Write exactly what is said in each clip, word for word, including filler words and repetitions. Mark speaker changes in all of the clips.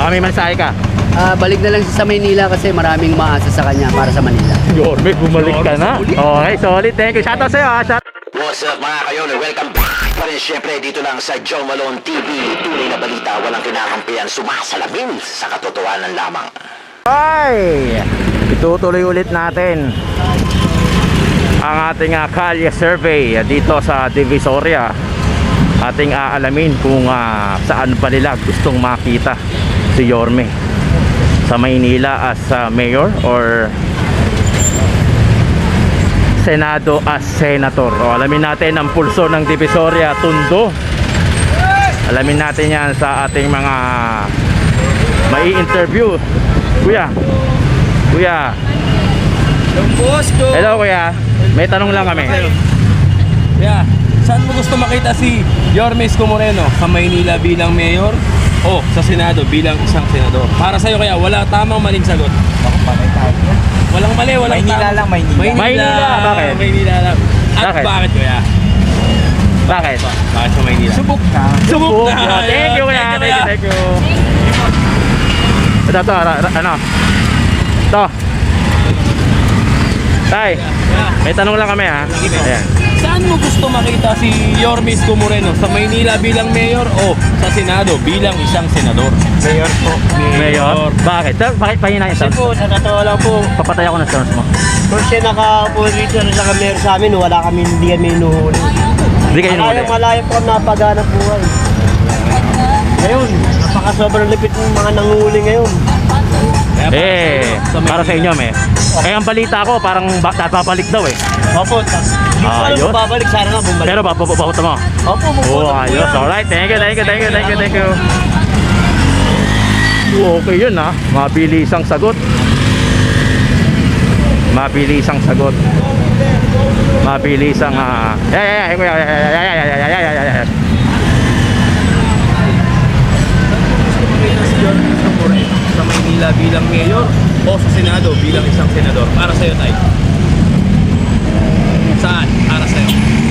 Speaker 1: Baka may mensahe ka.
Speaker 2: Ah, balik na lang siya sa Maynila kasi maraming umaasa sa kanya para sa Manila.
Speaker 1: Yorme, bumalik ka na. Okay, solid. Thank you. Shoutout sa'yo ha. Shout
Speaker 3: What's up mga kayon? Welcome back pa rin syempre dito lang sa Joe Malone T V. Tunay na balita, walang kinakampihan, sumasalamin sa katotohanan lamang.
Speaker 1: Ay! Itutuloy ulit natin ang ating uh, kalye survey dito sa Divisoria. Ating aalamin kung uh, saan pa nila gustong makita si Yorme, sa Maynila as uh, mayor or Senado as senator. O, alamin natin ang pulso ng Divisoria, Tondo. Alamin natin yan sa ating mga mai-interview. Kuya, Kuya. Hello Kuya, may tanong lang kami.
Speaker 4: Yeah. Saan mo gusto makita si Yorme Isko Moreno? Sa Maynila bilang mayor o sa Senado bilang isang senador? Para sa'yo kaya wala tamang maling sagot. Walang mali, walang
Speaker 5: Maynila
Speaker 4: tama.
Speaker 5: lang, Maynila.
Speaker 1: Maynila, bakit?
Speaker 4: Maynila lang. At
Speaker 1: Bakit?
Speaker 4: bakit kaya?
Speaker 1: Bakit?
Speaker 4: Bakit sa Maynila?
Speaker 5: Subok na.
Speaker 4: Subok
Speaker 1: Oh,
Speaker 4: na!
Speaker 1: thank you Kuya, thank you, thank you. Ito, ito, ra- ra- ano? Ito. Tay, may tanong lang kami ha. Ayan.
Speaker 4: Saan mo gusto makita si Yorme Isko Moreno? Sa Maynila bilang mayor o sa Senado bilang isang senador?
Speaker 5: Mayor po.
Speaker 1: Mayor? Bakit? Sir, bakit pahina yung
Speaker 6: Kasi
Speaker 1: sounds?
Speaker 6: po, sa totoo lang po,
Speaker 1: Papatay ako ng sounds mo.
Speaker 6: kung siya nakaupo dito sa mayor sa amin, wala kami, hindi kami inuhuli.
Speaker 1: Hindi kayo nuli.
Speaker 6: Malayang malayo po kami napaganap buhay. Ngayon, napaka sobrang lipit ng mga nanguhuli ngayon.
Speaker 4: Kaya para
Speaker 1: Eh,
Speaker 4: sa'yo,
Speaker 1: para sa
Speaker 4: Maynila.
Speaker 1: inyo, me. Eh, ang balita ko, parang ba- papalik daw eh.
Speaker 6: Opo, tas- hindi ko alam
Speaker 1: Ayos.
Speaker 6: kung babalik, sana nga bumalik.
Speaker 1: Pero babababot mo.
Speaker 6: Opo,
Speaker 1: Oh,
Speaker 6: bumalik po
Speaker 1: ayos.
Speaker 6: yan.
Speaker 1: Alright, thank you, thank you, thank you, thank you, thank you. Okay yun ha. Mabilisang sagot. Mabilisang sagot. Mabilisang ah. Yeah, yeah, yeah, yeah, yeah, yeah, yeah, yeah, yeah, yeah, yeah, yeah.
Speaker 4: Makita si Yorme Isko Moreno sa Maynila bilang mayor o sa Senado bilang isang senador? Para sa'yo, Tay. Saan? Para sa'yo.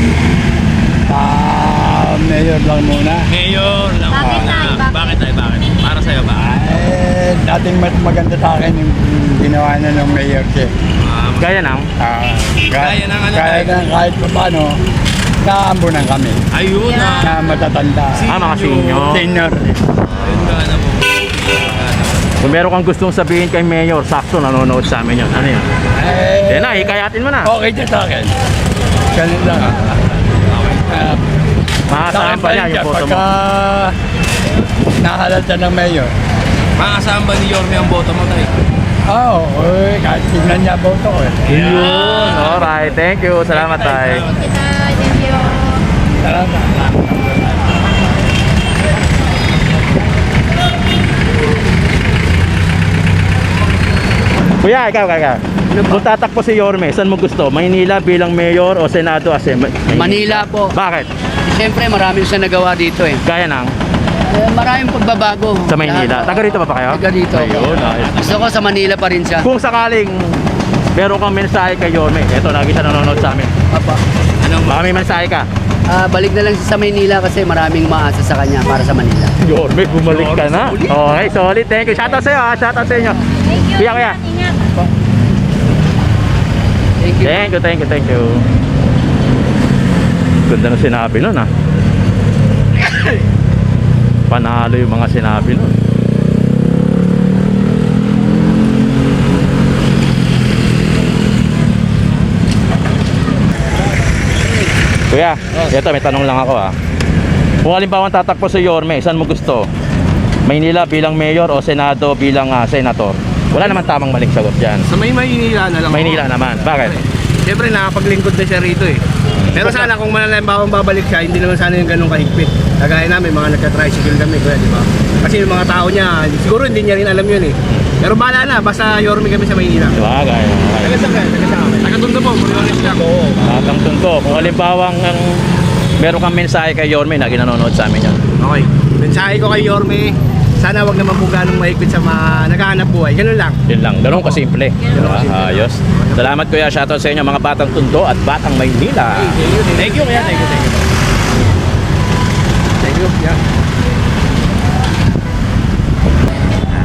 Speaker 5: Ah, mayor lang muna.
Speaker 4: Mayor lang.
Speaker 7: Bakit,
Speaker 4: muna.
Speaker 7: Tay? Bakit?
Speaker 4: Bakit, Tay? Bakit? Para sa'yo ba?
Speaker 5: Eh, dating mas maganda sa akin yung ginawa na ng mayor siya.
Speaker 4: Um,
Speaker 1: Gaya nang.
Speaker 5: Ah,
Speaker 4: Kaya ng ano,
Speaker 5: Kaya
Speaker 4: tayo?
Speaker 5: na kahit pa paano, naambunan kami.
Speaker 4: ayun na.
Speaker 5: Na matatanda.
Speaker 1: Ah, mga senior.
Speaker 5: Senior.
Speaker 4: Ayun ka na po.
Speaker 1: Kung meron kang gustong sabihin kay Mayor, sakto nanonood sa amin yun. Ano yun?
Speaker 5: Eh,
Speaker 1: Yan na, hikayatin mo na.
Speaker 5: okay siya sa akin. Ganun lang. Ah,
Speaker 1: Makakasaan pa niya yung photo mo.
Speaker 5: Pagka nahalal siya ng mayor.
Speaker 4: Makakasama ba ni Yorme ang boto mo, Tay?
Speaker 5: Oo, oh, eh, kahit tignan niya boto ko eh.
Speaker 1: Yun, alright. Thank you. Salamat tayo.
Speaker 7: Thank you.
Speaker 5: Salamat.
Speaker 1: Kuya, ikaw, ikaw, ikaw. Kung tatakbo si Yorme, saan mo gusto? Maynila bilang mayor o Senado as em-
Speaker 2: Manila po.
Speaker 1: Bakit?
Speaker 2: Siyempre maraming siya nagawa dito eh.
Speaker 1: Gaya ng
Speaker 2: Eh, maraming pagbabago.
Speaker 1: sa Maynila.
Speaker 2: Lahat-
Speaker 1: Taga rito ba pa kayo?
Speaker 2: Taga dito.
Speaker 1: Ayun, ayos.
Speaker 2: Gusto ko sa Manila pa rin siya.
Speaker 1: Kung sakaling meron kang mensahe kay Yorme, eto, lagi siya nanonood sa amin.
Speaker 2: Papa.
Speaker 4: Anong
Speaker 1: Baka may mensahe ka.
Speaker 2: Ah, balik na lang siya sa Maynila kasi maraming umaasa sa kanya para sa Manila.
Speaker 1: Yorme, bumalik ka na. Okay, solid. Thank you. Shoutout sa'yo ha. Shoutout sa inyo.
Speaker 7: Thank you.
Speaker 1: Kuya, kuya.
Speaker 7: Ingat.
Speaker 2: Thank you.
Speaker 1: Thank you, thank you, thank you. Ganda ng sinabi nun ah. Panalo yung mga sinabi nun. Kuya, eto may tanong lang ako ah. Kung halimbawa tatakbo si Yorme, saan mo gusto? Maynila bilang mayor o Senado bilang ah, senator? Wala naman tamang maling sagot dyan.
Speaker 4: Sa may Maynila na lang.
Speaker 1: Maynila naman, bakit?
Speaker 4: Siyempre nakapaglingkod na siya rito eh. Pero sana kung manalimbawang babalik siya, hindi naman sana yung ganun kahigpit. Kagaya namin, mga nagka-tricycle kami, kuya, di ba? Kasi yung mga tao niya, siguro hindi niya rin alam yun eh. Pero bahala na, basta Yorme kami sa Maynila.
Speaker 1: Bagay.
Speaker 4: Taga saan kayo? Taga saan kami? Taga Tondo po, Morales lang. Oo.
Speaker 1: Batang Tondo. Kung halimbawang ang meron kang mensahe kay Yorme na ginanonood sa amin yan.
Speaker 4: Okay. Mensahe ko kay Yorme, sana wag naman po ganong mahigpit sa mga naghahanap buhay. Ganun lang.
Speaker 1: Yun lang. Ganun kasimple. Diba? Ayos. Salamat kuya. Shoutout sa inyo mga Batang Tondo at Batang Maynila.
Speaker 4: Thank you, kuya. Thank you, thank you. Thank you, yeah.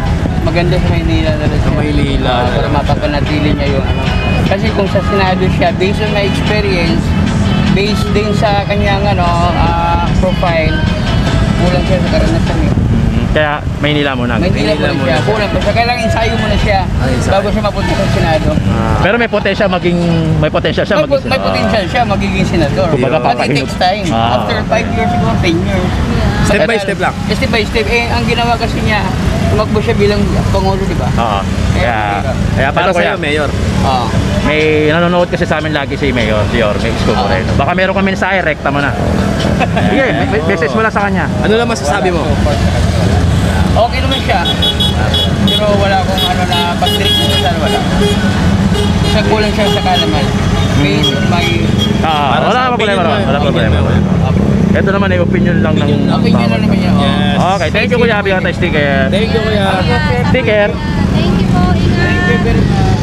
Speaker 2: maganda sa Maynila talaga. Sa
Speaker 4: Maynila.
Speaker 2: para mapapanatili niya yung ano. Kasi kung sa Senado siya, based on my experience, based din sa kanyang ano, ah, profile, kulang siya sa karanasan eh.
Speaker 1: Kaya Maynila muna.
Speaker 2: Maynila
Speaker 4: Maynila
Speaker 2: muna siya,
Speaker 4: muna.
Speaker 2: kulang pa siya. Kailangan ensayo muna siya
Speaker 4: ensayo.
Speaker 2: bago siya mapunta sa Senado.
Speaker 1: Ah, pero may potential maging may potential siya
Speaker 2: May,
Speaker 1: maging
Speaker 2: po- may potential siya magiging senador.
Speaker 1: Kumbaga,
Speaker 2: But it
Speaker 1: papahinug.
Speaker 2: takes time.
Speaker 1: Ah.
Speaker 2: After five years, siguro ten years.
Speaker 4: Step by
Speaker 2: Kaya-
Speaker 4: step lang.
Speaker 2: Step by step. Eh, ang ginawa kasi niya, tumakbo siya bilang Pangulo, di ba?
Speaker 1: Oo. Kaya kaya
Speaker 4: Pero
Speaker 1: paano kuya?
Speaker 4: sa'yo, Mayor.
Speaker 2: Oo.
Speaker 1: May nanonood kasi sa amin lagi si Mayor, si Yorme Isko Moreno. Baka meron kami mensahe, rekta mo na. Sige, me- message mo lang sa kanya.
Speaker 4: Ano lang masasabi mo?
Speaker 2: Okay naman siya. Pero wala akong ano na pag-trick mo sana wala. Kasi kulang siya sa kalaman. Based on my
Speaker 1: Ah,
Speaker 4: Para
Speaker 1: wala
Speaker 4: sa
Speaker 1: pa problema.
Speaker 4: opinion mo,
Speaker 1: Wala pa problema.
Speaker 4: opinion mo.
Speaker 1: Ito naman ay opinion lang ng
Speaker 2: opinion na naman niya.
Speaker 4: Yes.
Speaker 1: Okay, thank you kuya. Bigyan tayo sticker.
Speaker 4: Thank you, Kuya.
Speaker 1: Sticker.
Speaker 7: Thank you po, ingat.
Speaker 2: Thank you very much.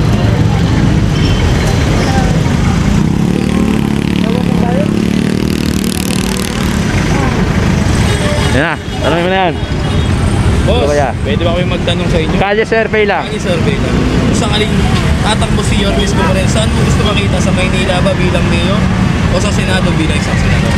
Speaker 1: Yan na. Tanongin mo na yan.
Speaker 8: Boss,
Speaker 1: Ano kaya?
Speaker 8: pwede ba kami magtanong sa inyo?
Speaker 1: Kalye survey lang.
Speaker 8: Ang survey lang. Kung sakaling tatakbo si Yorme Isko Moreno, saan mo gusto makita? Sa Maynila ba bilang mayor? O sa Senado bilang isang senador?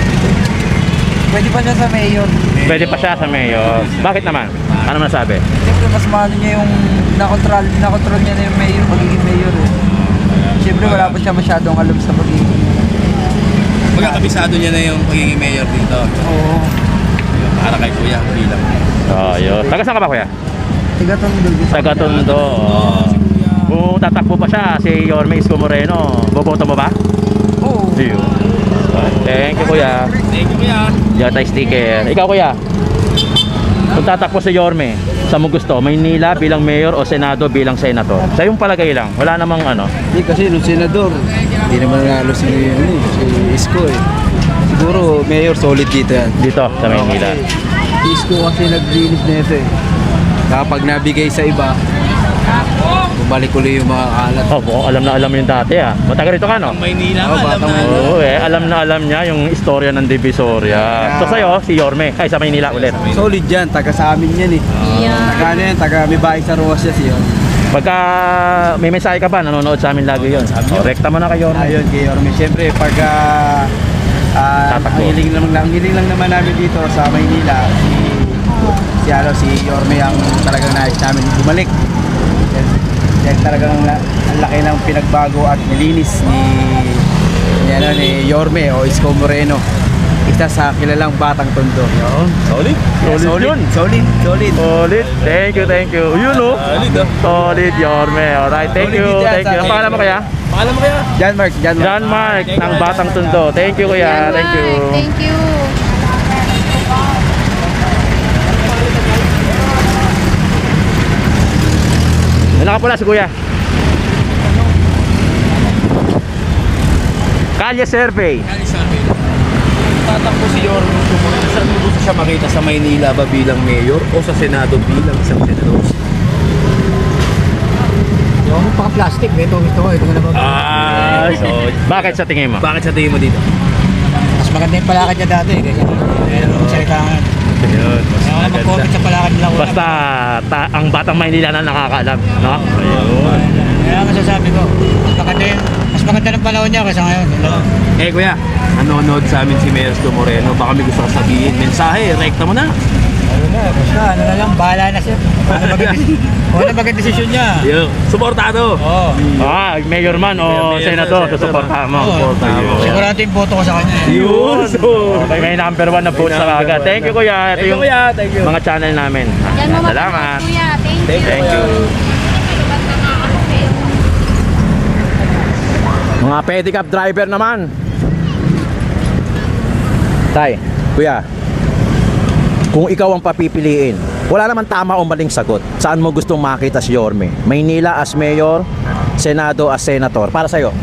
Speaker 9: Pwede pa siya sa mayor.
Speaker 1: Pwede pa siya sa mayor. Bakit naman? Ano masabi?
Speaker 9: Siyempre mas mahal niya yung nakontrol, nakontrol niya na yung mayor, magiging mayor eh. Siyempre wala pa siya masyadong alam sa pagiging.
Speaker 8: Magkakabisado niya na yung pagiging mayor dito.
Speaker 9: Oo.
Speaker 8: Para kay Kuya bilang.
Speaker 1: Oh, yun. Taga saan ka ba kuya?
Speaker 9: Tigatundog.
Speaker 1: Taga Tondo. Kung tatakbo pa siya, si Yorme Isko Moreno, boboto mo ba?
Speaker 9: Oo.
Speaker 1: Yun. Thank you kuya.
Speaker 8: Thank you, Kuya.
Speaker 1: Diyan tayo sticker. Ikaw kuya? Kung tatakbo si Yorme, saan mo gusto? Maynila bilang mayor o Senado bilang senator? Sa yung palagay lang. Wala namang ano.
Speaker 5: Hindi kasi nung senador, hindi naman nanalo si, ano, eh, si Isko eh. Siguro mayor solid dito yan.
Speaker 1: Dito sa Maynila.
Speaker 5: Si Isko kasi naglinis na ito eh. Kapag nabigay sa iba, bumalik ulit yung mga kalat.
Speaker 1: Oh, mukhang alam na alam mo yung dati ah. Matagal rito ka no?
Speaker 8: Ang Maynila,
Speaker 5: Oh,
Speaker 8: alam
Speaker 5: batang
Speaker 8: na.
Speaker 5: Maynila.
Speaker 1: Oo eh, alam na alam niya yung istorya ng Divisoria. So sa'yo, si Yorme. Ay, sa Maynila ulit.
Speaker 5: Solid yan, taga sa amin yan eh.
Speaker 7: Yeah.
Speaker 5: Taga ano yan, taga may bahay sa Roas yan siya.
Speaker 1: Pagka may mensahe ka ba, nanonood sa amin lagi yun. Oh, rekta mo na kay Yorme.
Speaker 5: Ayun, kay Yorme. Siyempre, pag ah, ah,
Speaker 1: Tatakbo.
Speaker 5: ang hiling lang, ang hiling lang naman namin dito sa Maynila, si, si, ano, si Yorme ang talagang nais namin bumalik. Dahil, dahil talagang la- ang laki ng pinagbago at nilinis ni, ni, ano, ni Yorme o Isko Moreno. Isa sa kilalang Batang Tondo. Yun.
Speaker 1: Solid.
Speaker 5: Yeah,
Speaker 1: Solid yun.
Speaker 5: Solid, solid.
Speaker 1: Solid. Thank you, thank you. Yun oh.
Speaker 8: Solid, ah.
Speaker 1: Solid, Yorme. Alright, thank
Speaker 5: Solid
Speaker 1: you,
Speaker 5: din yan
Speaker 1: thank you.
Speaker 5: sa-
Speaker 1: Ang pangalan mo kaya?
Speaker 8: Paalam mo, Kuya.
Speaker 5: John Mark, John Mark.
Speaker 1: John Mark ng Batang Tondo. Thank you kuya. Thank you.
Speaker 7: Thank you.
Speaker 1: Ano ka pala si kuya? Kalye survey.
Speaker 8: Kali survey lang. Kung tatakbo si Yorme Isko Moreno, saan mo gusto siya makita? Sa Maynila ba bilang mayor? O sa Senado bilang isang senador?
Speaker 9: Yung paka-plastic, ito, ito, ito na naman.
Speaker 1: Ah, so bakit sa tingin mo?
Speaker 8: Bakit sa tingin mo dito?
Speaker 9: Mas maganda yung palakad niya dati. Kasi meron kong salitaan.
Speaker 1: Yun.
Speaker 9: Ako mag-comment sa palakad nila.
Speaker 1: Basta ta- ang Batang Maynila na nakakaalam, no? Ayun.
Speaker 9: Kaya ang masasabi ko, mas maganda yung, mas maganda ng panahon niya kaysa ngayon. Yun lang.
Speaker 8: Eh kuya, nanonood sa amin si Mayor Isko Moreno. Baka may gusto ka sabihin. Mensahe, rekta mo na.
Speaker 9: Ano na, basta ano na lang, bahala na siya. Ano maging, ano maging desisyon niya.
Speaker 8: Yo, suportado.
Speaker 9: Oo.
Speaker 1: Ah, mayor man o
Speaker 8: Mayor,
Speaker 1: senador,
Speaker 8: senador.
Speaker 1: susuportahan mo.
Speaker 9: Oo.
Speaker 8: Suportahan mo.
Speaker 9: Sigurado yung boto ko sa kanya. eh.
Speaker 8: Yun.
Speaker 1: Okay, may number one na vote sa
Speaker 8: number
Speaker 1: agad.
Speaker 8: one
Speaker 1: Thank you
Speaker 8: na.
Speaker 1: kuya. Ito
Speaker 8: Thank you,
Speaker 1: yung
Speaker 8: kuya. Thank you.
Speaker 1: mga channel namin.
Speaker 7: Yan mo
Speaker 1: Salamat.
Speaker 7: kuya. Thank you.
Speaker 1: Thank you. Mga pedicab driver naman. Tay, kuya. Kung ikaw ang papipiliin, wala naman tama o maling sagot. Saan mo gustong makita si Yorme? Maynila as mayor, Senado as senator. Para sa'yo?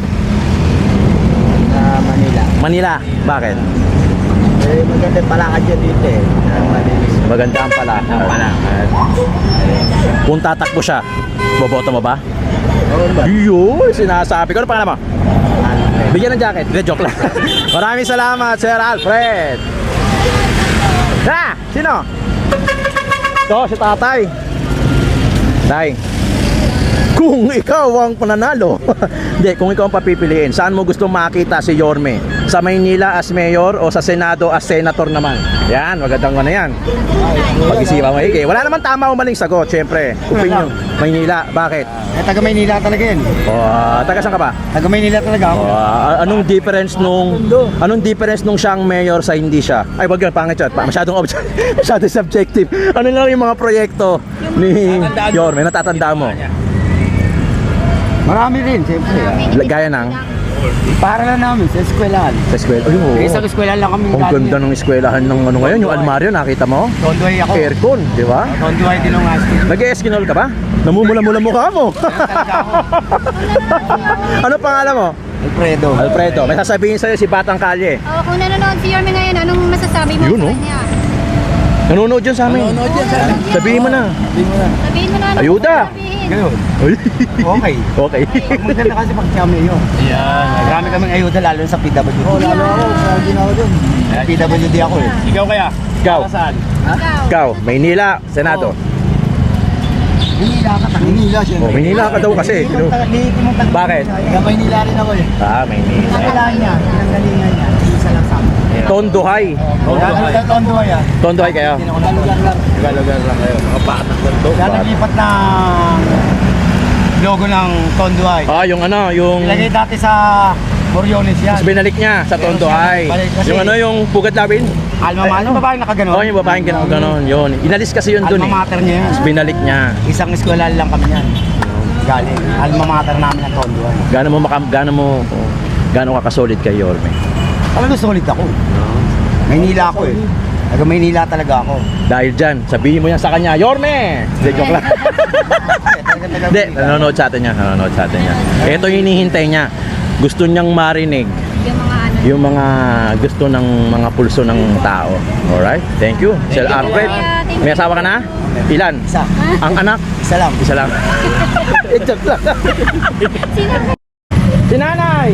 Speaker 5: Sa Manila.
Speaker 1: Manila. Bakit?
Speaker 5: Eh, maganda palakad yan dito eh. Malinis.
Speaker 1: Maganda ang palakad. Kung tatakbo siya, boboto mo ba?
Speaker 5: Oo ba?
Speaker 1: Yun, sinasabi ko. Ano pangalan mo? Bigyan ng jacket. Hindi, joke lang. Maraming salamat, Sir Alfred. Na, sino? Ito, si tatay. Tay, kung ikaw ang pananalo, hindi, kung ikaw ang papipiliin, saan mo gusto makita si Yorme? Sa Maynila as mayor o sa Senado as senator naman? Yan, magandang ko na yan. Pag-isipan mo, Ike. Wala naman tama o maling sagot, syempre. Opinion. Maynila, bakit?
Speaker 5: Eh, taga Maynila talaga yan.
Speaker 1: O, ah, taga saan ka ba?
Speaker 5: Taga Maynila talaga ako.
Speaker 1: O, ah, anong difference nung anong difference nung siyang mayor sa hindi siya? Ay, wag yun, pangit yun. Pa- Masyadong obje- masyadong subjective. Ano lang yung mga proyekto ni Yorme, natatandaan mo?
Speaker 5: Marami rin, siyempre.
Speaker 1: Gaya ng
Speaker 5: Para lang namin sa eskwelahan.
Speaker 1: sa eskwela. Ay, oo.
Speaker 5: Eh, Isang eskwelahan lang kami.
Speaker 1: Ang ganda ng eskwelahan ng ano ngayon, yung almaryo, nakita mo?
Speaker 5: Tondoy ako.
Speaker 1: Aircon, di ba?
Speaker 5: Tondoy din ang asking.
Speaker 1: Nag-eskinol ka ba? Namumula-mula mukha mo. Ano pangalan mo?
Speaker 5: Alfredo.
Speaker 1: Alfredo, may sasabihin sa'yo si Batang Kalye.
Speaker 7: Oh, kung nanonood si Yorme ngayon, anong masasabi mo
Speaker 1: Yun,
Speaker 7: sa
Speaker 1: oh.
Speaker 7: kanya?
Speaker 1: Nanonood yun sa amin.
Speaker 8: Nanonood yan sa
Speaker 1: Sabihin mo na.
Speaker 7: Sabihin mo na ano
Speaker 1: Ayuda.
Speaker 7: sasabihin.
Speaker 5: Ganun.
Speaker 1: Ay.
Speaker 5: Okay.
Speaker 1: Okay.
Speaker 5: Maganda kasi pag siya mayor.
Speaker 8: Yan.
Speaker 5: Marami kaming ayuda lalo sa P W D. Oo, lalo ako. Lagi na ako dun. P W D ako eh.
Speaker 8: Ikaw kaya?
Speaker 1: Ikaw.
Speaker 8: Saan?
Speaker 7: Ikaw.
Speaker 1: Ikaw, Maynila, Senado.
Speaker 5: Maynila ka. Maynila siya.
Speaker 1: Oh, Maynila ka daw kasi. Bakit?
Speaker 5: Taga Maynila rin ako eh.
Speaker 1: Ah, Maynila.
Speaker 5: Kailangan niya. Pinanggalingan niya. Isa lang sa amin.
Speaker 1: Tondohay.
Speaker 5: Tondoy. Tondoy ah.
Speaker 1: Tondohay kayo.
Speaker 5: Lugar lang.
Speaker 8: Lugar lang kayo. Mga patak lang to.
Speaker 5: Kaya naglipat ng logo ng Tondoy.
Speaker 1: Ah, yung ano, yung
Speaker 5: Ilagay dati sa Boriones yan.
Speaker 1: Tapos binalik niya sa Tondohay.
Speaker 5: Kasi-
Speaker 1: Yung ano, yung Pugat Lawin.
Speaker 5: Alma mater. Ano babaeng nakaganon?
Speaker 1: Oh, yung babaeng gano'n gano'n. Yun. Inalis kasi yun dun eh.
Speaker 5: Alma mater niya yan.
Speaker 1: Tapos binalik niya.
Speaker 5: Isang eskwela lang kami yan. Galing. Alma mater namin ang Tondoy.
Speaker 1: Gaano mo makam, gaano mo, gaano ka kasolid kay Yorme?
Speaker 5: Talagang solid ako. Maynila ako eh. Taga Maynila talaga ako.
Speaker 1: Dahil dyan, sabihin mo yan sa kanya, Yorme! Hindi, joke lang. Hindi, nanonood sa atin niya, nanonood sa atin niya. Ito yung hinihintay niya. Gusto niyang marinig
Speaker 7: Yung mga ano.
Speaker 1: yung mga gusto ng mga pulso ng tao. Alright? Thank you. Sir Alfred, may asawa ka na? Ilan?
Speaker 5: Isa.
Speaker 1: Ang anak?
Speaker 5: Isa lang.
Speaker 1: Isa lang. Joke lang. Si Nanay!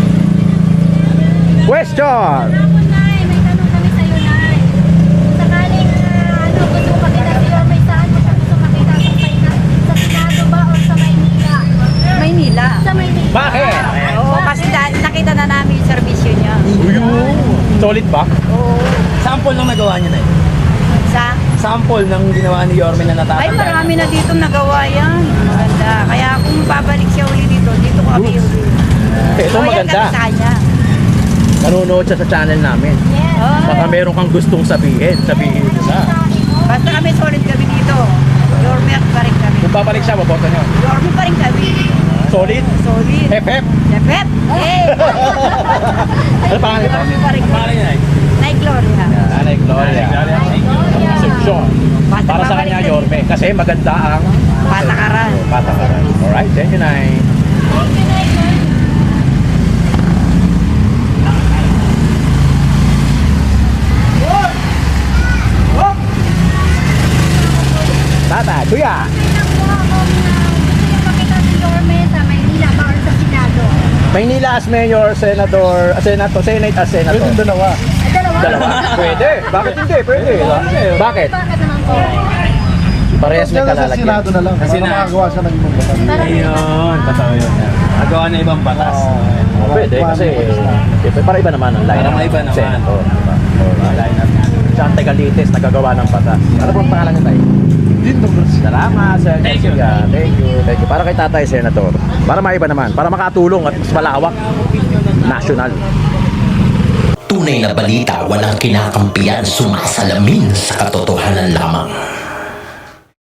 Speaker 1: Question!
Speaker 7: Tapos, Nay, may tanong kami sa'yo, Nay. Kung sakaling ah, ano, gusto mo makita si Yorme, saan mo siya gusto makita? Sa, Payna- sa Senado ba o sa Maynila?
Speaker 9: Maynila.
Speaker 7: Sa Maynila.
Speaker 1: Bakit?
Speaker 9: Oo, kasi da- nakita na namin yung servisyo niya.
Speaker 1: Solid ba?
Speaker 9: Oo.
Speaker 8: Sample lang nagawa niya na eh.
Speaker 9: Sa?
Speaker 8: Sample ng ginawa ni Yorme na natatanda.
Speaker 9: Ay, marami na dito nagawa yan. Maganda. Kaya kung babalik siya uli dito, dito kami uli.
Speaker 1: Ito
Speaker 9: Loyal
Speaker 1: maganda.
Speaker 9: kami sa kanya.
Speaker 1: Nanonood siya sa channel namin.
Speaker 7: Yes.
Speaker 1: Baka meron kang gustong sabihin, sabihin mo na.
Speaker 9: Basta kami solid kami dito. Yorme pa rin kami.
Speaker 1: Kung babalik siya, maboto niyo.
Speaker 9: Yorme pa rin kami.
Speaker 1: Solid?
Speaker 9: Solid.
Speaker 1: F F?
Speaker 9: Depet. Eh.
Speaker 1: Ano pangalan ito?
Speaker 9: Yorme pa rin kami.
Speaker 8: Pangalan niya eh.
Speaker 9: Nay Gloria.
Speaker 1: Nanay Gloria. Concepcion.
Speaker 9: Basta
Speaker 1: Para sa
Speaker 9: babalik
Speaker 1: kanya,
Speaker 9: kami.
Speaker 1: Yorme. Kasi maganda ang
Speaker 9: Patakaran.
Speaker 1: patakaran. Alright, thank you, Nay. Tata, kuya.
Speaker 7: Makita si Yorme sa Maynila ba or sa Senado?
Speaker 1: Maynila as mayor, senator, uh, senator, senate as senator. Pwede dalawa.
Speaker 7: Ay, dalawa.
Speaker 1: Dalawa? Pwede. Bakit hindi? Pwede. Bakit?
Speaker 7: Bakit naman po?
Speaker 1: Parehas may kalalagyan.
Speaker 5: na lang.
Speaker 8: Kasi na.
Speaker 5: Makagawa siya ng ibang batas.
Speaker 7: Para
Speaker 8: Ayun, totoo yun. Nagawa na ibang batas.
Speaker 1: Oh, pwede kasi eh, para iba naman ang line.
Speaker 8: Para maiba naman.
Speaker 1: Senator. Siya ang Tegalites, nagagawa ng batas. Ano pong pangalan niya tayo? Salamat, Sir
Speaker 8: Thank you.
Speaker 1: Jessica. Thank you. Thank you. Para kay Tatay Senator. Para maiba naman. Para makatulong at mas malawak. National.
Speaker 3: Tunay na balita walang kinakampiyan, sumasalamin sa katotohanan lamang.